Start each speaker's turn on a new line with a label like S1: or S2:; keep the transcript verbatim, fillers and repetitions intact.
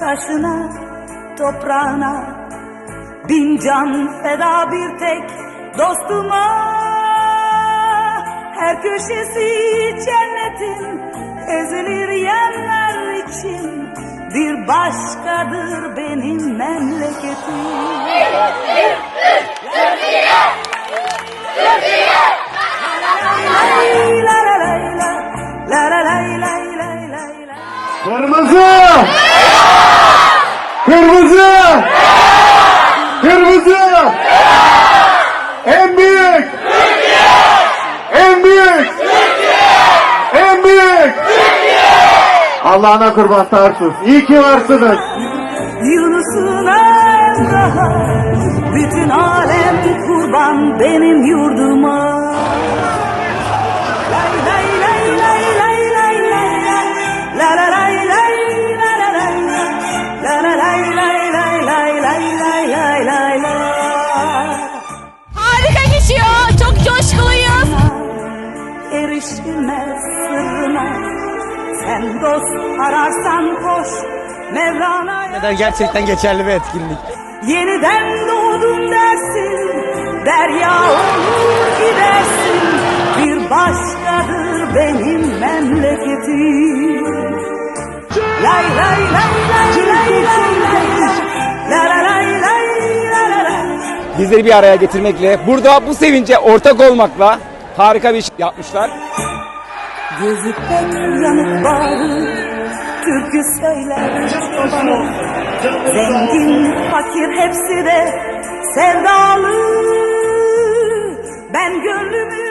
S1: taşına, toprağına, bin can feda bir tek dostuma. Her köşesi cennetin ezilir yerler için, bir başkadır benim memleketim.
S2: Kırmızı! Kırmızı! Kırmızı! En büyük! En büyük! En büyük! Allah'ına kurban Tarsus. İyi ki varsınız.
S1: Yunus'un Emrah'a, bütün alem kurban benim yurduma. Lay lay lay lay lay lay lay lay, la la lay lay la la lay, la la lay lay lay lay lay lay lay lay lay.
S3: Harika geçiyor, çok coşkuluyuz.
S1: Erişilmez sırrına, sen dost ararsan koş Mevlana'ya.
S4: Gerçekten geçerli bir etkinlik.
S1: Yeniden doğdum dersin, derya olur gidersin, bir başkadır benim memleketim. Lay lay lay lay lay lay lay, la la lay lay la la lay.
S4: Bizleri bir araya getirmekle, burada bu sevince ortak olmakla harika bir iş yapmışlar.
S1: Gözü pek yanık bağlı, türkü söyler çobanı. Zengin, fakir hepsi de sevdalı. Ben gönlümü